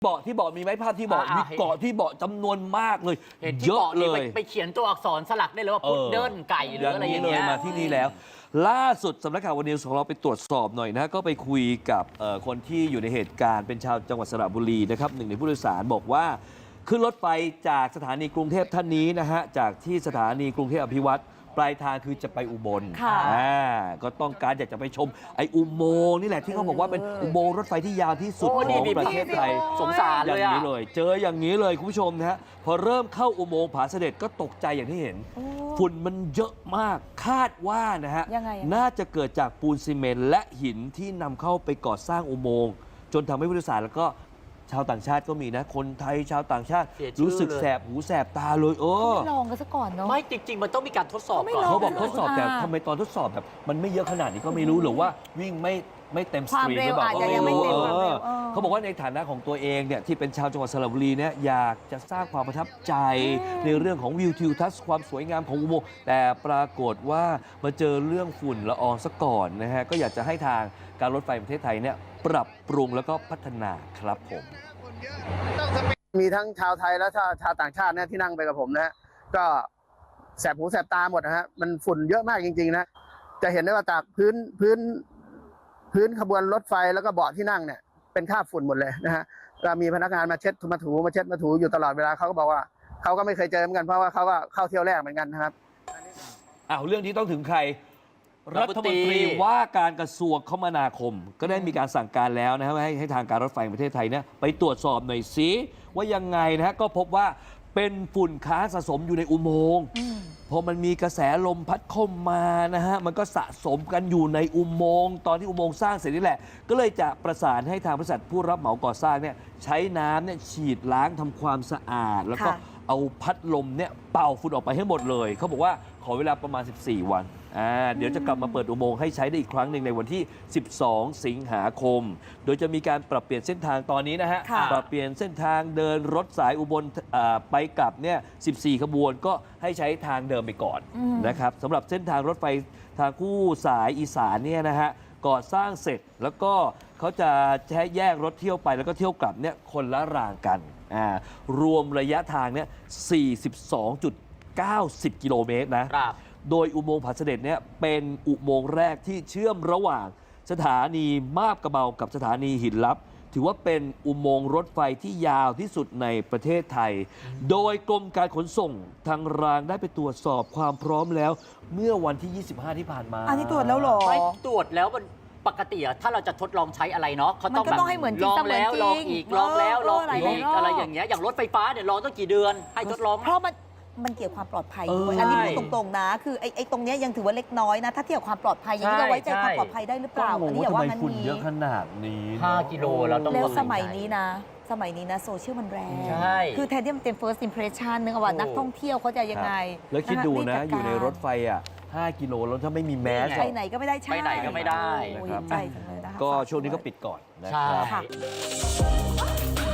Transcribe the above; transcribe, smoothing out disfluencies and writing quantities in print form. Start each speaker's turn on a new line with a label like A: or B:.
A: เบาะที่เบาะมีไหมภาพที่เบาะมีเกาะที่เบาะจำนวนมากเลยเยอะเลย
B: ไปเขียนตัวอักษรสลักได้เลยว่าพุดเดิ้ลไก่หรืออะไรอย่างเงี้ย
A: มาที่นี่แล้วล่าสุดสำนักข่าววันนิวส์ของเราไปตรวจสอบหน่อยนะก็ไปคุยกับคนที่อยู่ในเหตุการณ์เป็นชาวจังหวัดสระบุรีนะครับหนึ่งในผู้โดยสารบอกว่าขึ้นรถไฟจากสถานีกรุงเทพท่านนี้นะฮะจากที่สถานีกรุงเทพอภิวัตรปลายทางคือจะไปอุบลก็ต้องการอยากจะไปชมไอ้อุโมงค์นี่แหละที่เขาบอกว่าเป็นอุโมงค์รถไฟที่ยาวที่สุดของประเทศไทย
B: สงสารเลย
A: อย่างนี้เลยเจออย่างนี้เลยคุณผู้ชมนะฮะพอเริ่มเข้าอุโมงค์ผาเสด็จก็ตกใจอย่างที่เห็นฝุ่นมันเยอะมากคาดว่านะฮะน่าจะเกิดจากปูนซีเมนต์และหินที่นำเข้าไปก่อสร้างอุโมงค์จนทำให้ผู้โดยสารแล้วก็ชาวต่างชาติก็มีนะคนไทยชาวต่างชาติรู้สึกแสบหูแสบตาเลย
C: ไม่ลองกันซะก่อนเนาะ
B: ไม่จริงๆมันต้องมีการทดสอบก่อน
A: เขาบอกทดสอบแต่ทำไมตอนทดสอบแบบมันไม่เยอะขนาดนี้ก็ไม่รู้หรือว่าวิ่งไม่เต็มสตรีมหรือเปล่าก็ไม่รู้เขาบอกว่าในฐานะของตัวเองเนี่ยที่เป็นชาวจังหวัดสระบุรีเนี่ยอยากจะสร้างความประทับใจในเรื่องของวิวทิวทัศน์ความสวยงามของอุโมงค์แต่ปรากฏว่ามาเจอเรื่องฝุ่นละอองซะก่อนนะฮะก็อยากจะให้ทางการรถไฟประเทศไทยเนี่ยปรับปรุงแล้วก็พัฒนาครับผม
D: มีทั้งชาวไทยและชาวต่างชาตินะที่นั่งไปกับผมนะฮะก็แสบหูแสบตาหมดนะฮะมันฝุ่นเยอะมากจริงๆนะจะเห็นได้ว่าจากพื้นขบวนรถไฟแล้วก็เบาะที่นั่งเนี่ยเป็นคราบฝุ่นหมดเลยนะฮะเรามีพนักงานมาเช็ดมาถูอยู่ตลอดเวลาเขาก็บอกว่าเขาก็ไม่เคยเจอเหมือนกันเพราะว่าเขาก็เข้าเที่ยวแรกเหมือนกันนะครับ
A: เรื่องที่ต้องถึงใครรัฐมนตรีว่าการกระทรวงคมนาคมก็ได้มีการสั่งการแล้วนะครับให้ทางการรถไฟประเทศไทยเนี่ยไปตรวจสอบหน่อยสิว่ายังไงนะฮะก็พบว่าเป็นฝุ่นค้างสะสมอยู่ในอุโมงค์พอมันมีกระแสลมพัดเข้ามานะฮะมันก็สะสมกันอยู่ในอุโมงค์ตอนที่อุโมงค์สร้างเสร็จนี่แหละก็เลยจะประสานให้ทางบริษัทผู้รับเหมาก่อสร้างเนี่ยใช้น้ำเนี่ยฉีดล้างทำความสะอาดแล้วก็เอาพัดลมเนี่ยเป่าฝุ่นออกไปให้หมดเลยเขาบอกว่าขอเวลาประมาณ14 วันเดี๋ยวจะกลับมาเปิดอุโมงค์ให้ใช้ได้อีกครั้งหนึ่งในวันที่ 12 สิงหาคมโดยจะมีการปรับเปลี่ยนเส้นทางตอนนี้นะฮะปรับเปลี่ยนเส้นทางเดินรถสายอุบลไปกลับเนี่ย14 ขบวนก็ให้ใช้ทางเดิมไปก่อนนะครับสำหรับเส้นทางรถไฟทางคู่สายอีสานเนี่ยนะฮะก่อสร้างเสร็จแล้วก็เขาจะใช้แยกรถเที่ยวไปแล้วก็เที่ยวกลับเนี่ยคนละรางกันรวมระยะทางเนี่ย 42.90 กิโลเมตรนะโดยอุโมงค์ผาเสด็จเนี่ยเป็นอุโมงค์แรกที่เชื่อมระหว่างสถานีมาบกระเบากับสถานีหินลับถือว่าเป็นอุโมงค์รถไฟที่ยาวที่สุดในประเทศไทยโดยกรมการขนส่งทางรางได้ไปตรวจสอบความพร้อมแล้วเมื่อวันที่ 25 ที่ผ่านมา
C: อันนี้ตรวจแล้วหรอ
B: ไม่ตรวจแล้วมันปกติถ้าเราจะทดลองใช้อะไรเนาะเขาต้องแบบลองแล้วลองอีกลองแล้วลองอีกอะไรอย่างเงี้ยอย่างรถไฟฟ้าเนี่ยลองตั้งกี่เดือนให้ทดลอง
C: เพราะมันเกี่ยวกับความปลอดภัยด้วยอันนี้พูดตรงๆนะคือไอ้ตรงนี้ยังถือว่าเล็กน้อยนะถ้าเทียบกับความปลอดภัยยังเราไว้ใจความปลอดภัยได้หรือเปล่าอันนี้อย่าว่ามันมี
A: เยอะขนาดนี้
B: 5 กิโลเราต้อง
C: แล้วสมัยนี้นะโซเชียลมันแรงคือแทนที่มันเป็น first impression นึกว่านักท่องเที่ยวเขาจะยังไง
A: แล้วคิดดูนะอยู่ในรถไฟ5 กิโลแล้วถ้าไม่มีแมส
C: ไปไหนก็ไม่ได้
B: ไปไหนก็ไม่ได้
C: ใจจังเลยนะคะ
A: ก็ช่วงนี้ก็ปิดก่อนนะครับ